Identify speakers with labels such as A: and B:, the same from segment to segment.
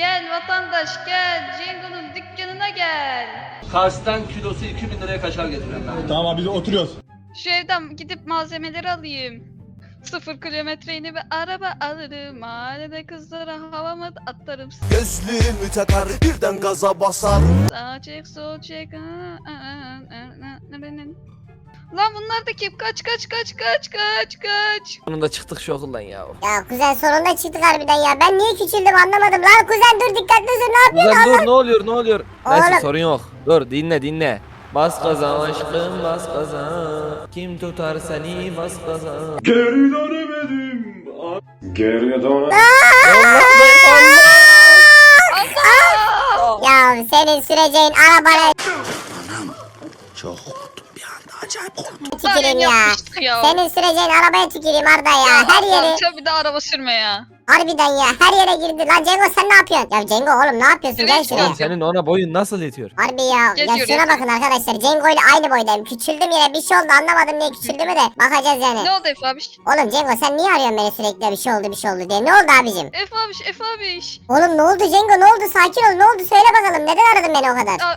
A: Gel vatandaş gel. Cengo'nun dükkanına gel.
B: Kars'tan kilosu 2000 liraya kaşar getiriyorum ben.
C: Tamam abi biz oturuyoruz.
A: Şu evden gidip malzemeleri alayım. 0 kilometre yeni bir araba alırım. Mahallede kızlara havama atarım.
D: Gözlüğümü takar birden gaza basar.
A: Sağ çek sol çek. Lan bunlar da kim? Kaç.
E: Sonunda çıktık şu okuldan ya.
F: Ya kuzen sonunda çıktık harbiden ya. Ben niye küçüldüm anlamadım. Lan kuzen dur dikkatli dur ne yapıyorsun?
E: Kuzen dur ne oluyor? Neyse
F: Oğlum.
E: sorun yok. Dur dinle. Bas gaza aşkım bas gaza. Kim tutar seni bas gaza.
C: Geri dönemedim. Geri dönemedim.
F: Ya senin süreceğin arabana
D: Çok korktum bir anda acayip korktum.
F: tüküreyim ya.
A: Yapmıştık ya.
F: Senin süreceğin arabaya tüküreyim Arda ya. Her yeri
A: Tabii de araba sürme ya.
F: harbiden ya. Her yere girdi. Lan Cengo sen ne yapıyorsun? Ya Cengo oğlum ne yapıyorsun? Gel
A: Evet,
F: şuraya.
E: Oğlum senin ona boyun nasıl yetiyor?
F: Harbi ya.
A: Geziyor,
F: Ya şuna
A: geziyor.
F: bakın arkadaşlar. Cengo ile aynı boydayım. Küçüldüm yine bir şey oldu anlamadım niye küçüldüğümü de. Bakacağız yani.
A: Ne oldu Efe abiş?
F: Oğlum Cengo sen niye arıyorsun beni sürekli bir şey oldu diye. Ne oldu abicim?
A: Efe abiş.
F: Oğlum ne oldu Cengo ne oldu? Sakin ol ne oldu? Söyle bakalım. Neden aradın beni o kadar?
A: Ya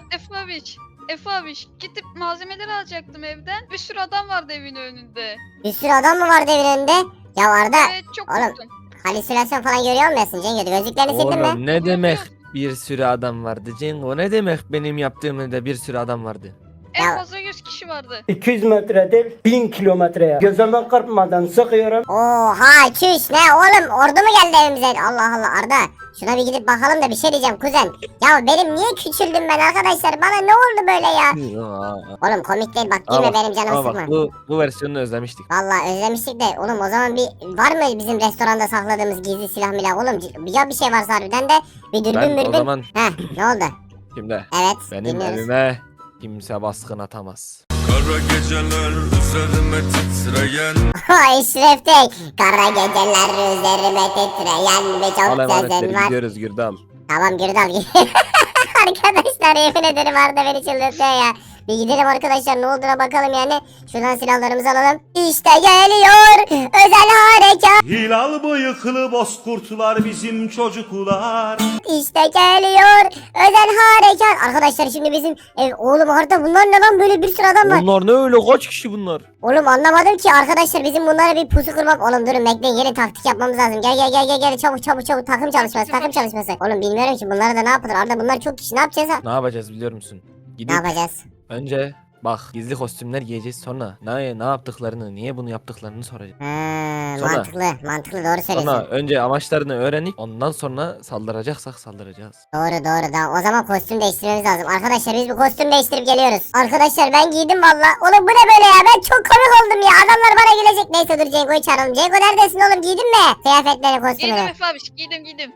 A: Efe abiş. Gidip malzemeleri alacaktım evden. Bir sürü adam vardı evin önünde.
F: Bir sürü adam mı vardı evin önünde? Ya Arda
A: Evet çok
F: oğlum.
A: korktum.
F: halüsinasyon falan görüyor musun Cengo? Gözlüklerini sildin mi?
E: Oğlum ne demek bir sürü adam vardı Cengo? Ne demek benim yaptığımda bir sürü adam vardı?
F: Ya-
A: En fazla 100 kişi vardı.
G: 200 metre değil 1000 kilometreye. Gözüme kırpmadan sıkıyorum.
F: Oha çüş ne oğlum ordu mu geldi evimize? Allah Allah Arda. Şuna bir gidip bakalım da bir şey diyeceğim kuzen. Ya benim niye küçüldüm ben arkadaşlar? Bana ne oldu böyle ya? Oğlum komik değil bak girme benim canımı
E: ama
F: sıkma.
E: bak bu versiyonunu özlemiştik.
F: Vallahi özlemiştik de oğlum o zaman bir var mı bizim restoranda sakladığımız gizli silah milah oğlum ya bir şey varsa harbiden de bir dürbün
E: Ben o
F: mürbün.
E: zaman
F: Heh ne oldu?
E: şimdi
F: Evet
E: benim
F: dinliyoruz.
E: evime kimse baskın atamaz.
D: Kara geceler üzerime titreyen.
F: Eşref Tek. Kara geceler üzerime titreyen birçok
E: Al emanetleri
F: sözün var.
E: gidiyoruz Gürdal.
F: Tamam Gürdal. Arkadaşlar yemin ederim Arda beni çıldırtıyor ya. Bir gidelim arkadaşlar ne olduğuna bakalım yani. Şuradan silahlarımızı alalım. İşte geliyor özel harekat.
C: Hilal bıyıklı bozkurtlar bizim çocuklar.
F: İşte geliyor özel harekat. Arkadaşlar şimdi bizim ev. Oğlum Arda bunlar ne lan böyle bir sürü adam var.
E: Onlar ne öyle kaç kişi bunlar?
F: Oğlum anlamadım ki arkadaşlar bizim bunlara bir pusu kurmak. Oğlum durun bekleyin yeni taktik yapmamız lazım. Gel çabuk takım çalışması. Oğlum bilmiyorum ki bunlara da ne yapılır. Arda bunlar çok kişi ne yapacağız ha?
E: Ne yapacağız biliyor musun?
F: Ne
E: Gidip
F: yapacağız?
E: önce bak gizli kostümler giyeceğiz sonra ne yaptıklarını niye bunu yaptıklarını soracağız. Sonra-
F: Mantıklı doğru söylüyorsun.
E: Sonra önce amaçlarını öğrenip ondan sonra saldıracaksak saldıracağız.
F: Doğru da o zaman kostüm değiştirmemiz lazım. Arkadaşlar biz bir kostüm değiştirip geliyoruz. Arkadaşlar ben giydim valla. Oğlum bu ne böyle ya ben çok komik oldum ya. Adamlar bana gülecek. Neyse dur Cengo'yu çağıralım. Cengo neredesin oğlum giydin mi? Kıyafetleri
A: Giydim
F: kostümünü.
A: Efe abiş. Giydim.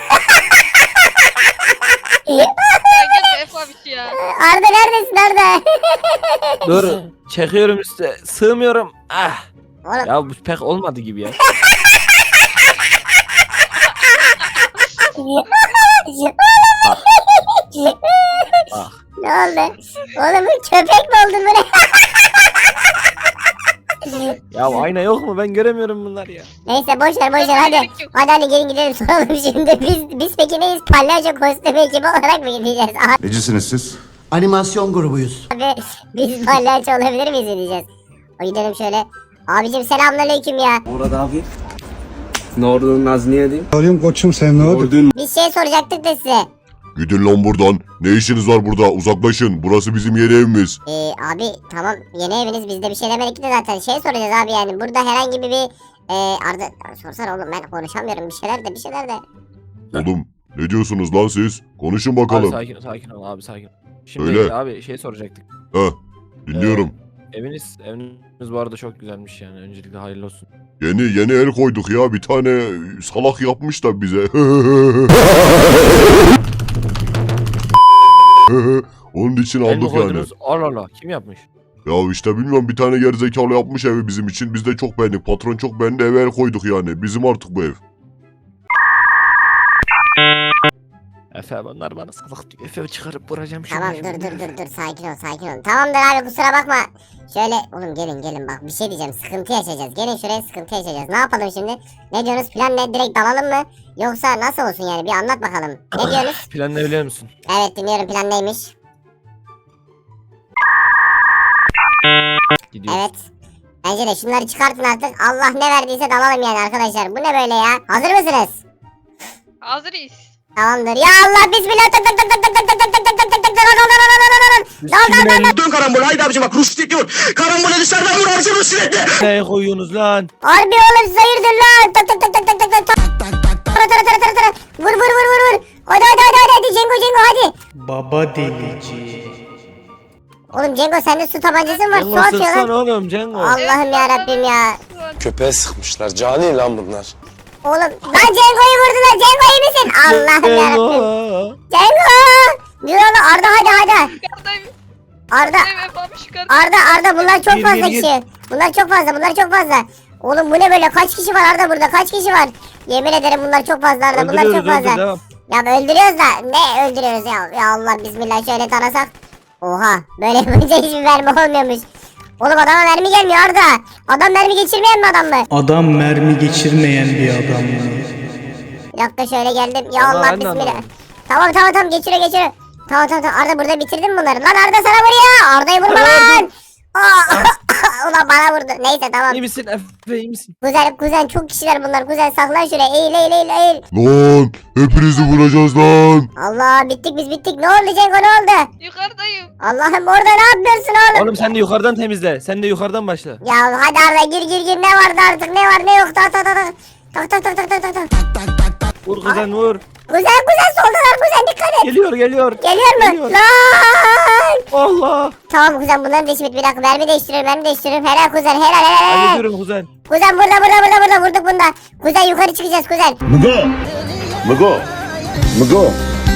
A: Ya gel Efe abiş ya.
F: Arda neredesin Arda?
E: Dur çekiyorum üstte sığmıyorum. Ah.
F: Oğlum
E: Ya bu pek olmadı gibi ya. Bak.
F: ne oldu? Oğlum köpek mi oldun bu ne?
E: Ya ayna yok mu? Ben göremiyorum bunlar ya.
F: Neyse boş ver hadi.
A: Gerek yok.
F: Hadi gelin gidelim soralım şimdi. Biz peki neyiz? Palyaço kostümü ekibi olarak mı gideceğiz?
H: Necisiniz siz?
I: Animasyon grubuyuz.
F: Abi biz palyaço olabilir miyiz diyeceğiz. O gidelim şöyle. Abicim selamünaleyküm ya.
I: Murat abi. Ne oldu Nazmiye diyeyim?
H: Arıyorum koçum sen ne oldu?
F: Bir şey soracaktık da size.
J: Gidin lan buradan. Ne işiniz var burada? Uzaklaşın. Burası bizim yeni evimiz.
F: Abi tamam yeni eviniz biz de bir şey demedik de zaten şey soracağız abi yani burada herhangi bir Arda sorsana oğlum ben konuşamıyorum bir şeyler de.
J: Oğlum ne diyorsunuz lan siz? Konuşun
E: Abi
J: bakalım.
E: sakin ol abi sakin ol. Şimdi
J: Öyle.
E: abi şey soracaktık.
J: Heh, dinliyorum.
E: Eviniz bu arada çok güzelmiş yani. Öncelikle hayırlı olsun.
J: Yeni el koyduk ya. Bir tane salak yapmış da bize. Onun için
E: El mi
J: aldık yani.
E: koydunuz? Allah Allah. Kim yapmış?
J: Ya işte bilmiyorum bir tane gerizekalı yapmış evi bizim için. Biz de çok beğendik. Patron çok beğendi eve el koyduk yani. Bizim artık bu ev.
E: Efe bunlar bana salak diyor. Efe çıkarıp vuracağım şunu.
F: Tamam dur sakin ol. Tamamdır abi kusura bakma. Şöyle oğlum gelin bak bir şey diyeceğim sıkıntı yaşayacağız. Gelin şuraya sıkıntı yaşayacağız. Ne yapalım şimdi? Ne diyorsunuz plan ne direkt dalalım mı? Yoksa nasıl olsun yani bir anlat bakalım. Ne diyorsunuz?
E: Plan ne biliyor musun?
F: Evet dinliyorum plan neymiş?
E: Gidiyoruz.
F: Evet. Bence de şunları çıkartın artık. Allah ne verdiyse dalalım yani arkadaşlar. Bu ne böyle ya? Hazır mısınız?
A: Hazırız.
F: Tamamdır. Ya Allah bismillah. Tak tak tak tak tak tak tak tak tak tak tak tak tak dal.
D: Dön karambol haydi abicim bak Rus diyor. Karambole dışarıdan vur abicim Rus silahlı.
E: Ne koyuyorsunuz lan?
F: Harbi oğlum siz hayırdır lan? Tak tak tak tak tak tak tak tak. Tara. Vur. Hadi Cengo hadi.
G: Baba delici.
F: Oğlum Cengo sende su tabancası mı var? Su
E: Cengo
F: atıyor
E: sıksan
F: lan.
E: oğlum Cengo.
F: Allah'ım yarabbim ya.
H: Köpeğe sıkmışlar. Cani lan bunlar.
F: Oğlum lan Cengo'yu vurdular. Cengo iyi misin? Allah'ım yarabbim. Cengo. Dur oğlum Arda hadi.
A: Yukarıdayım.
F: Arda.
A: Evet abi yukarıdayım.
F: Arda bunlar çok
E: Gir,
F: fazla
E: gir, gir.
F: kişi. Bunlar çok fazla. Oğlum bu ne böyle kaç kişi var Arda burada kaç kişi var? Yemin ederim bunlar çok fazla Arda bunlar çok
E: Öldürüyoruz,
F: fazla.
E: devam.
F: Ya öldürüyoruz da ne öldürüyoruz ya? Ya Allah bismillah şöyle tarasak. Oha böyle yapınca hiçbir mermi olmuyormuş. Oğlum adama mermi gelmiyor Arda. Adam mermi geçirmeyen mi adam mı?
G: Adam mermi geçirmeyen bir adam.
F: Bir dakika şöyle geldim. Ya
E: Ama
F: Allah
E: ben de
F: bismillah.
E: anlamadım.
F: Tamam geçiriyor. Tamam Arda burada bitirdin mi bunları? Lan Arda sana vuruyor. Arda'yı vurma lan. Aa, ulan bana vurdu. Neyse tamam.
E: İyi misin Efe iyi misin?
F: Kuzen çok kişiler bunlar. Kuzen saklan şuraya. Eğil.
J: Lan hepinizi vuracağız lan.
F: Allah biz bittik. Ne oldu Cengo ne oldu?
A: Yukarıdayım.
F: Allah'ım orada ne yapıyorsun oğlum?
E: Oğlum sen de yukarıdan temizle. Sen de yukarıdan başla.
F: Ya hadi Arda gir. Ne vardı artık ne var ne yok. Tak.
E: Vur kuzen vur.
F: Kuzen soldalar kuzen dikkat et.
E: Geliyor.
F: Geliyor mu?
E: Geliyor.
F: Lan.
E: Allah.
F: Tamam kuzen bunların da işi bitti. Bir dakika mermi değiştiriyorum. Helal kuzen helal.
E: Hallediyorum kuzen.
F: Kuzen burada vurduk bunda. Kuzen yukarı çıkacağız kuzen.
J: Mıgo.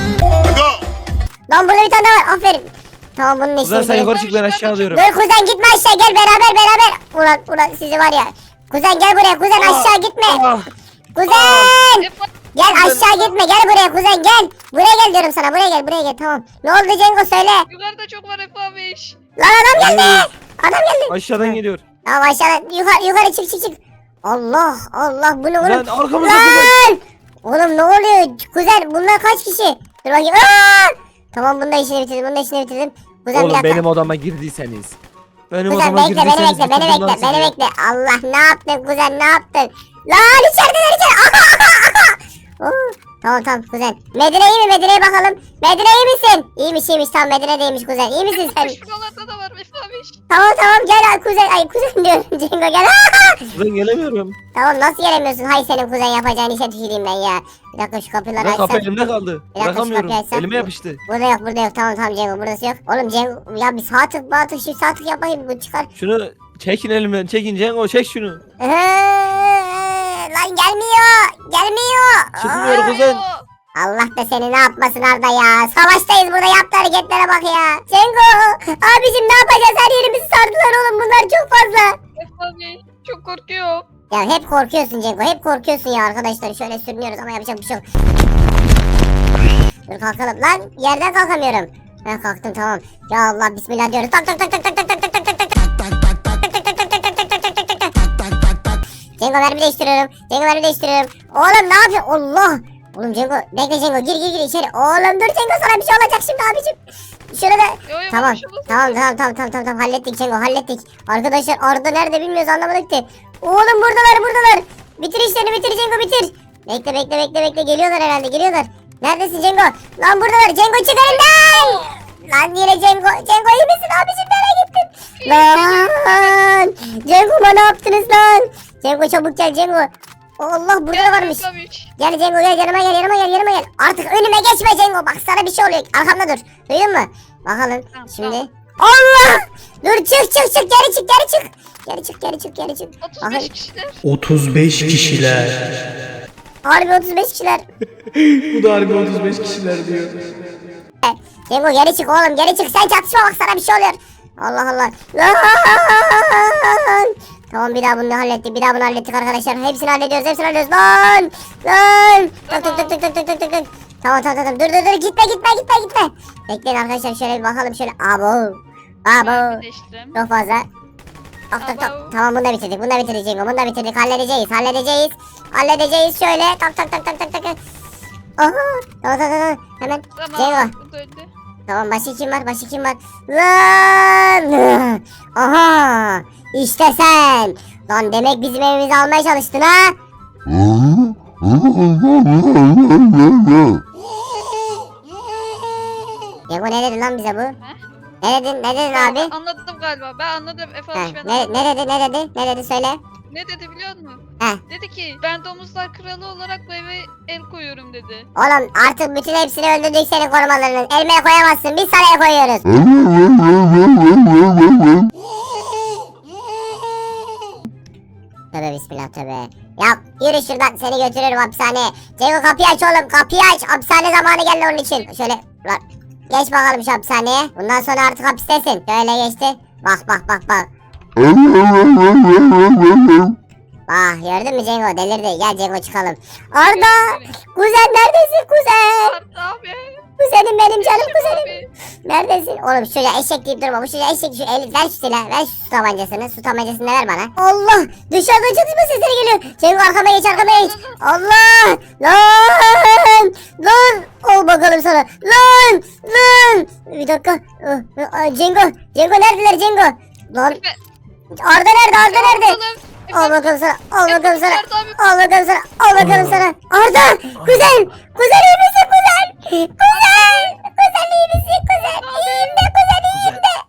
F: Lan burada bir tane daha var. Aferin. Tamam bunun işi
E: Kuzen sen
F: bitti.
E: yukarı çık ben aşağı alıyorum.
F: Dur kuzen gitme aşağı gel beraber. Ulan sizi var ya. Kuzen gel buraya kuzen aşağı gitme.
E: Ah.
F: Kuzen.
A: Efe
F: Gel aşağı gitme gel buraya kuzen gel. Buraya gel diyorum sana buraya gel tamam. Ne oldu Cengo söyle.
A: yukarıda çok var Efe abi.
F: Lan adam geldi.
E: Aşağıdan geliyor.
F: Tamam aşağıdan yukarı çık. Allah bu ne oğlum.
E: Lan arkamızda kuzen.
F: Lan. Oğlum ne oluyor kuzen bunlar kaç kişi? Dur bakayım. Aa! Tamam bunun da işini bitirdim. Kuzen bir
E: Oğlum
F: dakika.
E: benim odama girdiyseniz. Benim
F: Kuzen
E: odama
F: bekle
E: girdiyseniz
F: beni
E: bitirdim lan sizi.
F: bekle. Allah ne yaptın kuzen ne yaptın? Lan içerideler. Oo, tamam kuzen. Medine iyi mi? Medine'ye bakalım. Medine iyi misin? İyiymiş tamam Medine deymiş kuzen. İyi misin sen?
A: Şuralarda da var Efe abi.
F: Tamam gel kuzen. Ay kuzen diyorum Cengo gel.
E: Kuzen gelemiyorum.
F: Tamam nasıl gelemiyorsun? Hay senin kuzen yapacağın işe tüküreyim ben ya. Bir dakika şu kapıları
E: Lan kapı
F: açsam.
E: elimde kaldı.
F: Bir dakika,
E: Bırakamıyorum.
F: şu kapıyı açsam.
E: Elime yapıştı.
F: Burada yok. Tamam Cengo burası yok. Oğlum Cengo ya bir sağ tık şu sağ tık yapayım bu çıkar.
E: Şunu çekin elimden. Çekin Cengo çek şunu.
F: Lan gelmiyor.
E: Çıkmıyor kuzen.
F: Allah da seni ne yapmasın Arda ya. Savaştayız burada yaptığı hareketlere bak ya. Cengo abicim ne yapacağız her yerimizi sardılar oğlum bunlar çok fazla.
A: Efe abi çok korkuyorum.
F: Ya hep korkuyorsun Cengo hep korkuyorsun ya arkadaşlar şöyle sürünüyoruz ama yapacak bir şey yok. Dur kalkalım lan yerden kalkamıyorum. Ben kalktım tamam. Ya Allah bismillah diyoruz. Tak. Cengo mermi değiştiriyorum. Oğlum ne yapıyorsun? Allah. Oğlum Cengo bekle Cengo gir içeri. Oğlum dur Cengo sana bir şey olacak şimdi abicim. Şurada
A: Yo,
F: tamam.
A: bir şey olmaz.
F: Tamam hallettik Cengo hallettik. Arkadaşlar Arda nerede bilmiyoruz anlamadık ki. Oğlum buradalar. Bitir işlerini bitir Cengo bitir. Bekle geliyorlar herhalde. Neredesin Cengo? Lan buradalar Cengo çık önümden. Lan yine Cengo iyi misin abicim nereye gittin? Lan Cengo'ma ne yaptınız lan? Cengo çabuk gel Cengo. Allah burada da varmış.
A: Efe abi.
F: Gel Cengo gel yanıma gel. Artık önüme geçme Cengo. Bak sana bir şey oluyor. Arkamda dur. Duydun mu? Bakalım
A: Tamam,
F: şimdi.
A: tamam.
F: Allah! Dur çık. Geri çık.
A: 35 kişiler.
G: 35 kişiler.
F: Harbi 35 kişiler.
G: Bu da harbi 35 kişiler diyor.
F: Cengo geri çık oğlum geri çık. Sen çatışma bak sana bir şey oluyor. Allah. Lan! Tamam bir daha bunu hallettik arkadaşlar. Hepsini hallediyoruz. Lan! Tak. Tamam. Dur gitme. Bekleyin arkadaşlar şöyle bir bakalım şöyle. Abo.
A: Birleştim.
F: Çok fazla.
A: Abo.
F: Tamam bunu da bitirdik. Bunu da bitirdik. Halledeceğiz şöyle. Tak. Aha. Tamam. Hemen.
A: Tamam.
F: Cengo.
A: Bu da öldü.
F: Tamam başka kim var? Lan! Aha! İşte sen! Lan demek bizim evimizi almaya çalıştın ha? Yego ne dedi lan bize bu? Ne dedin abi?
A: Ben anladım galiba. Ben anladım. Efe
F: Ha,
A: abi ben anladım.
F: ne dedi söyle.
A: Ne dedi biliyor musun?
F: Heh.
A: Dedi ki ben domuzlar kralı olarak bu eve el koyuyorum dedi.
F: Oğlum artık bütün hepsini öldürdük senin korumalarının. Elmeye koyamazsın biz sana el koyuyoruz. Tövbe bismillah tövbe. Ya yürü şuradan seni götürürüm hapishaneye. Cengo kapıyı aç oğlum kapıyı aç. Hapishane zamanı geldi onun için. Şöyle lan geç bakalım şu hapishaneye. Bundan sonra artık hapistesin. Şöyle geçti. Bak. Bak gördün mü Cengo delirdi. Gel Cengo çıkalım. Arda kuzen neredesin kuzen?
A: Arda abi.
F: Kuzenim benim canım kuzenim.
A: Abi.
F: Neredesin? Oğlum şu çocuğa eşek deyip durma. Bu çocuğa eşek şu eli ver şu silahı. Ver şu tabancasını. Su tabancasını ver bana. Allah! Dışarıdan çatışma sesleri geliyor. Cengo arkama geç. Allah! Lan! Ol bakalım sana. Lan! Bir dakika. Cengo neredeler Cengo? Lan! Arda nerede? Al bakalım sana. Al bakalım sana. Arda! Kuzen iyi misin kuzen? Kuzen iyi misin kuzen? İyiyim de.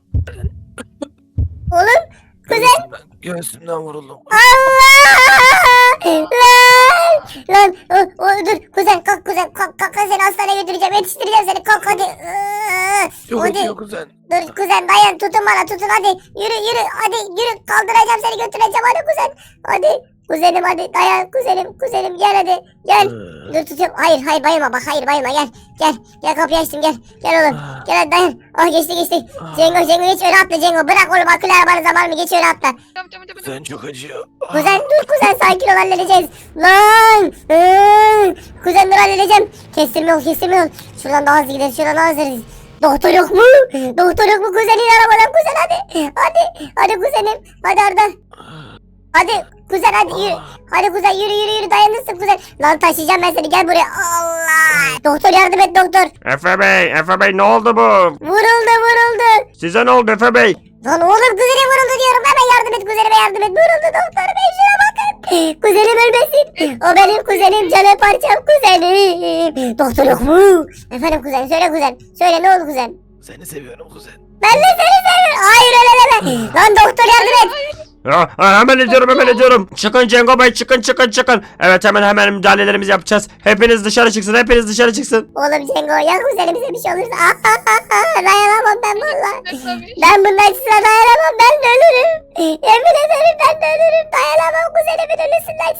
F: Oğlum kuzen.
E: Göğsümden vuruldum.
F: Allah! Lan dur kuzen kalk seni hastaneye götüreceğim yetiştireceğim seni kalk hadi.
E: Çok
F: Hadi.
E: acıyor kuzen.
F: Dur kuzen dayan tutun hadi yürü hadi yürü kaldıracağım seni götüreceğim hadi kuzen hadi kuzenim hadi dayan kuzenim gel hadi gel dur tutuyorum hayır bayılma bak bayılma gel kapıyı açtım gel oğlum gel hadi dayan geçti Cengo geç öyle atla Cengo bırak oğlum akıllı arabanın zamanı geç öyle atla
A: Tamam.
E: Kuzen çok acıyor.
F: kuzen dur sakin ol halledeceğiz lan kuzen dur halledeceğim kestirme ol şuradan daha hızlı gideriz Doktor yok mu kuzenin arabadan kuzen hadi kuzenim hadi Arda hadi kuzen hadi kuzen yürü dayanırsın kuzen lan taşıyacağım ben seni gel buraya Allah doktor yardım et doktor
C: Efe Bey ne oldu bu?
F: vuruldu
C: Size ne oldu Efe Bey?
F: lan oğlum kuzene vuruldu diyorum hemen yardım et vuruldu doktor bey şuna bakın kuzenim ölmesin o benim kuzenim canım parçam kuzenim doktor yok mu efendim kuzen söyle ne oldu kuzen
E: Seni seviyorum kuzen.
F: ben de seni seviyorum hayır öyle deme lan doktor yardım et
C: Hemen ediyorum. Çıkın Cengo Bey çıkın. Evet hemen müdahalelerimizi yapacağız. Hepiniz dışarı çıksın.
F: oğlum Cengo ya kuzenimize bir şey olursa dayanamam ben valla
A: Tabii.
F: ben bunun acısına dayanamam ben de ölürüm yemin ederim ben de ölürüm dayanamam kuzenimin ölüsünden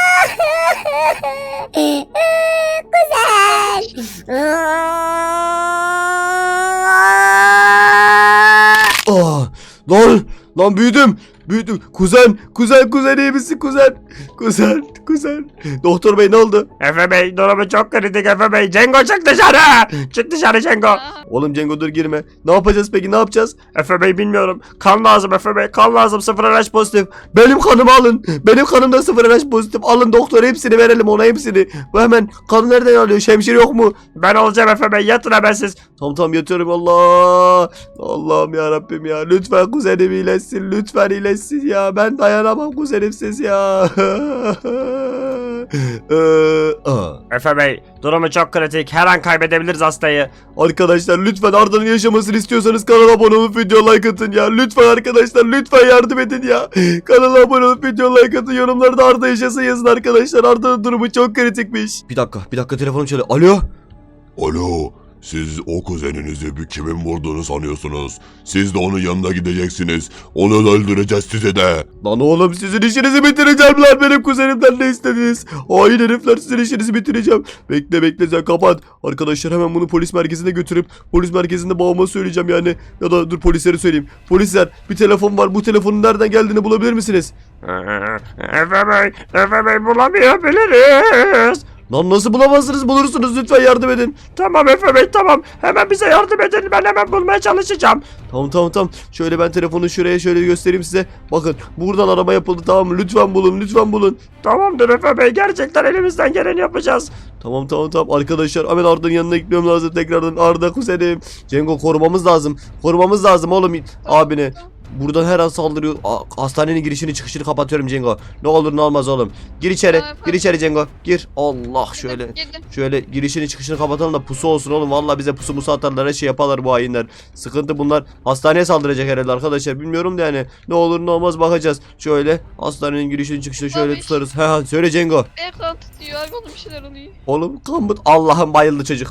C: Oh, lan büyüdüm. Kuzen iyi misin kuzen? Doktor bey ne oldu? Efe Bey durumu çok kritik Efe Bey. Cengo çık dışarı Cengo. Oğlum Cengo dur girme. Ne yapacağız peki Efe Bey bilmiyorum. Kan lazım Efe Bey. Kan lazım 0 RH pozitif. Benim kanımı alın. Benim kanım da 0 RH pozitif. Alın doktor hepsini verelim ona hepsini. Bu hemen kan nereden alıyor? Şemşire yok mu? Ben olacağım Efe Bey. Yatın hemen siz. Tamam yatıyorum Allah. Allah'ım ya Rabbim ya. Lütfen kuzenim iyileşsin. Lütfen iyileşsin ya. Ben dayanamam kuzenimsiz ya. Efe Bey durumu çok kritik. Her an kaybedebiliriz hastayı. Arkadaşlar lütfen Arda'nın yaşamasını istiyorsanız kanala abone olup video like atın ya. Lütfen arkadaşlar lütfen yardım edin ya. Kanala abone olup video like atın. Yorumlarda Arda yaşasın yazın arkadaşlar. Arda'nın durumu çok kritikmiş. Bir dakika telefonum çalıyor.
J: Alo, siz o kuzeninizi bir kimin vurduğunu sanıyorsunuz? Siz de onun yanına gideceksiniz. Onu da öldüreceğiz size de.
C: Lan oğlum sizin işinizi bitireceğim lan benim kuzenimden ne istediniz? Hain herifler sizin işinizi bitireceğim. Bekle sen kapat. Arkadaşlar hemen bunu polis merkezine götürüp polis merkezinde babama söyleyeceğim yani. Ya da dur polislere söyleyeyim. Polisler bir telefon var bu telefonun nereden geldiğini bulabilir misiniz? Efe Bey bulamayabiliriz. Lan nasıl bulamazsınız? Bulursunuz, lütfen yardım edin. Tamam Efe Bey, tamam. Hemen bize yardım edin. Ben hemen bulmaya çalışacağım. Tamam. Şöyle ben telefonu şuraya şöyle göstereyim size. Bakın buradan arama yapıldı, tamam mı? Lütfen bulun. Tamamdır Efe Bey, gerçekten elimizden geleni yapacağız. Tamam. Arkadaşlar hemen Arda'nın yanına gitmem lazım tekrardan. Arda kuzenim. Cengo korumamız lazım oğlum abine. Buradan her an saldırıyor. Hastanenin girişini çıkışını kapatıyorum Cengo. Ne olur ne olmaz oğlum. Gir içeri Cengo. Gir. Allah
A: Girdim.
C: şöyle girişini çıkışını kapatalım da pusu olsun oğlum. Vallahi bize pusu musu atarlar, her şey yaparlar bu hainler. Sıkıntı bunlar. Hastaneye saldıracak herhalde arkadaşlar. Bilmiyorum da yani. Ne olur ne olmaz bakacağız. Şöyle hastanenin girişini çıkışını şöyle
A: Abi.
C: tutarız. He söyle Cengo.
A: Ekran tutuyor. Oğlum bir şeyler oluyor.
C: Oğlum kan Allah'ım bayıldı çocuk.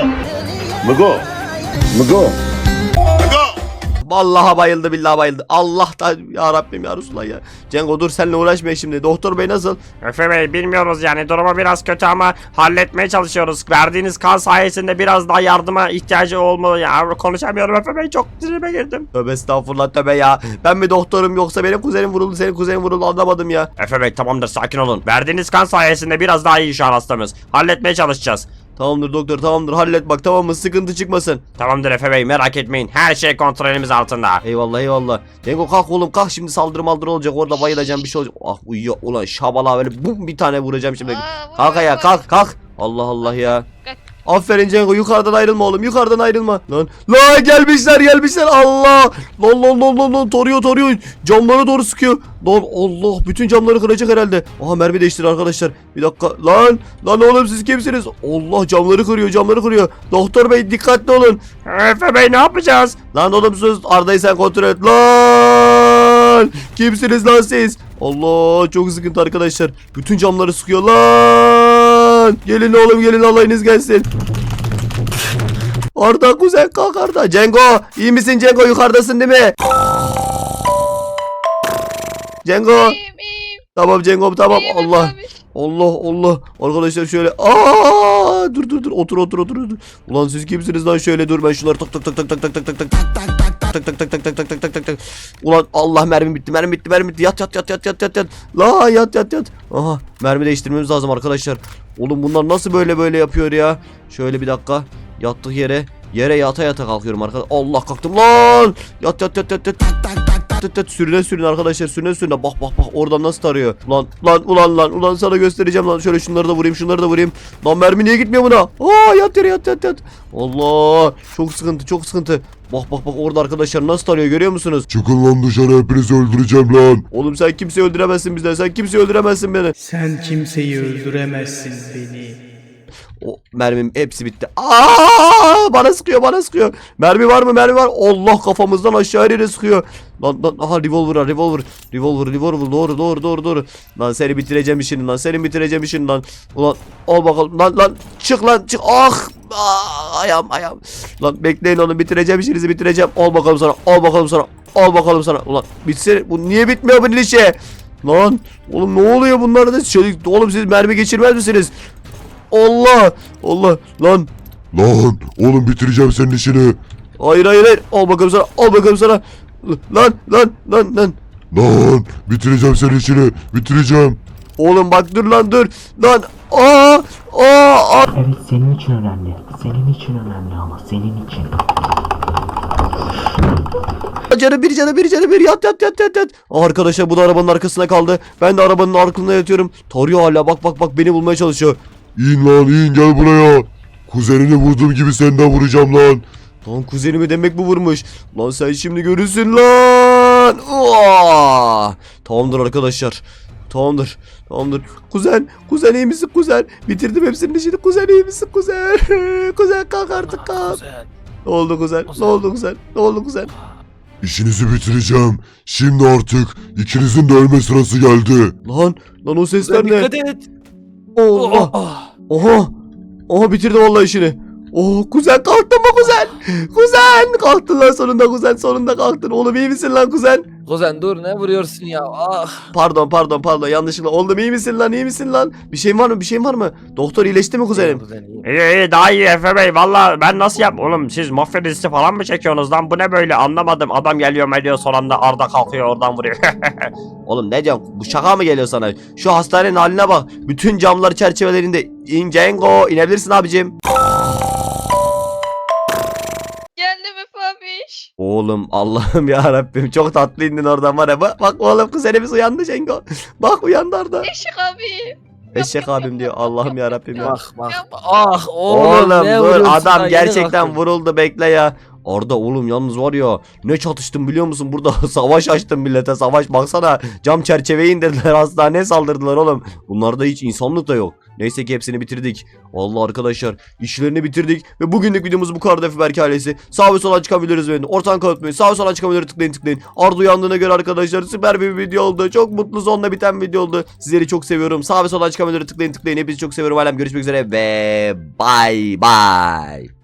J: Mugo.
C: Vallahi bayıldı, billahi bayıldı. Allah da ya Rabbim ya Resulallah ya. Cengo dur, seninle uğraşmayın şimdi. Doktor bey nasıl?
K: Efe Bey bilmiyoruz yani, durumu biraz kötü ama halletmeye çalışıyoruz. Verdiğiniz kan sayesinde biraz daha yardıma ihtiyacı olmalı ya. Konuşamıyorum Efe Bey, çok tribe girdim.
C: Tövbe estağfurullah tövbe ya. Ben mi doktorum yoksa benim kuzenim vuruldu, senin kuzenin vuruldu, anlamadım ya.
K: Efe Bey tamamdır, sakin olun. Verdiğiniz kan sayesinde biraz daha iyi şu an hastamız. Halletmeye çalışacağız.
C: Tamamdır doktor, tamamdır, hallet bak, tamam mı, sıkıntı çıkmasın.
K: Tamamdır Efe Bey, merak etmeyin. Her şey kontrolümüz altında.
C: Eyvallah. Cengo kalk oğlum, kalk, şimdi saldırı olacak, orada bayılacağım, bir şey olacak. Ah uyuyor ulan şabala, böyle bum bir tane vuracağım şimdi. Kalk ayağa, kalk. Allah ya. Aferin Cengo, yukarıdan ayrılma oğlum, yukarıdan ayrılma. Lan gelmişler Allah. Lan toruyor. Camlara doğru sıkıyor. Lan Allah, bütün camları kıracak herhalde. Aha mermi değiştir arkadaşlar. Bir dakika. Lan oğlum siz kimsiniz? Allah, camları kırıyor. Doktor bey dikkatli olun.
K: Efe Bey ne yapacağız?
C: Lan oğlum sus, Arda'yı sen kontrol et. Lan kimsiniz lan siz? Allah, çok sıkıntı arkadaşlar. Bütün camları sıkıyor lan. Gelin oğlum, gelin, alayınız gelsin. Arda kuzen, kalk Arda. Cengo iyi misin Cengo, yukarıdasın değil mi? Cengo.
A: İyiyim.
C: Tamam Cengo, tamam.
A: İyiyim
C: Allah.
A: Efe abi.
C: Allah. Arkadaşlar şöyle. Dur. Otur. Ulan siz kimsiniz lan, şöyle dur, ben şunları tak. Ulan Allah, mermi bitti. Yat. La yat. Aha, mermi değiştirmemiz lazım arkadaşlar. Oğlum bunlar nasıl böyle yapıyor ya? Şöyle bir dakika. Yattık yere yata kalkıyorum arkadaşlar. Allah, kalktım lan. Yat. Sürüne arkadaşlar, sürüne. Bak oradan nasıl tarıyor. Ulan sana göstereceğim lan. Şöyle şunları da vurayım. Lan mermi niye gitmiyor buna? Yat yere, yat. Allah, çok sıkıntı. Bak orada arkadaşlar nasıl tarıyor, görüyor musunuz?
J: Çıkın lan dışarı, hepinizi öldüreceğim lan.
C: Oğlum sen kimseyi öldüremezsin bizden. Sen kimseyi öldüremezsin beni.
L: Sen kimseyi öldüremezsin beni.
C: O mermim hepsi bitti. Bana sıkıyor. Mermi var mı? Allah, kafamızdan aşağı yere sıkıyor. Lan aha, revolver. Doğru. Lan seni bitireceğim işini lan. Ulan al bakalım lan çık. Ayağım. Lan bekleyin oğlum, bitireceğim işinizi, bitireceğim. Al bakalım sana. Ulan bitsin. Bu niye bitmiyor bunun işi? Lan oğlum ne oluyor bunlarda? Oğlum siz mermi geçirmez misiniz? Allah lan.
J: Lan oğlum, bitireceğim senin işini.
C: Hayır. Al bakalım sana. Lan.
J: Lan bitireceğim senin işini. Bitireceğim.
C: Oğlum bak, dur lan. Lan.
L: Evet, senin için önemli. Senin için önemli ama senin için.
C: Canı bir. Yat. Arkadaşlar bu da arabanın arkasına kaldı. Ben de arabanın arkasında yatıyorum. Tarıyor hala, bak beni bulmaya çalışıyor.
J: İn gel buraya. Kuzenini vurduğum gibi seni de vuracağım lan.
C: Lan kuzenimi demek bu vurmuş. Lan sen şimdi görürsün lan. Tamamdır arkadaşlar. Tamamdır. Kuzen iyi misin kuzen? Bitirdim hepsinin işini. Kuzen iyi misin kuzen? Kuzen kalk artık, kalk. Ne oldu kuzen?
J: İşinizi bitireceğim. Şimdi artık ikinizin de ölme sırası geldi.
C: Lan o sesler ne?
E: Dikkat et.
C: Allah. Oha bitirdi vallahi işini. Oh kuzen kalktın mı kuzen? Kuzen kalktın lan sonunda kuzen sonunda kalktın. Oğlum iyi misin lan kuzen?
E: Kuzen dur ne vuruyorsun ya? Ah.
C: Pardon yanlışlıkla. Oğlum iyi misin lan? Bir şeyin var mı? Doktor iyileşti mi kuzenim?
E: Kuzen iyi.
K: İyi daha iyi Efe Bey. Valla ben nasıl yap? Oğlum siz mafya dizisi falan mı çekiyorsunuz lan? Bu ne böyle anlamadım. Adam geliyor mediyor son anda Arda kalkıyor oradan vuruyor.
C: Oğlum ne diyorsun? Bu şaka mı geliyor sana? Şu hastanenin haline bak. Bütün camlar çerçevelerinde. Cengo inebilirsin abicim.
A: Geldim Efe abiş.
C: Oğlum Allah'ım ya Rabbim çok tatlı indin oradan var ya. Bak oğlum kuzenimiz uyandı Cengo. Bak uyandı Arda.
A: Eşik abi.
C: Eşek abim diyor. Allah'ım ya Rabbim ya.
E: Bak. Ah oğlum,
C: Oğlum
E: ne
C: dur
E: vuruyorsun
C: adam
E: lan? Yeni
C: gerçekten
E: kalktın.
C: vuruldu bekle ya. Orada oğlum yalnız var ya ne çatıştım biliyor musun? Burada savaş açtım millete savaş baksana. Cam çerçeveyi indirdiler hastaneye saldırdılar oğlum. Bunlarda hiç insanlık da yok. Neyse ki hepsini bitirdik. Vallahi arkadaşlar işlerini bitirdik. Ve bugünlük videomuz bu kadar Efe Berk ailesi. Sağ ve sola çıkabiliriz benim. Ortadan kalkmayın. Sağ ve sola çıkabiliriz tıklayın. Arda uyandığına göre arkadaşlar süper bir video oldu. Çok mutlu sonla biten video oldu. Sizleri çok seviyorum. Sağ ve sola çıkabiliriz tıklayın. Hepinizi çok seviyorum. Alem görüşmek üzere ve bye bye.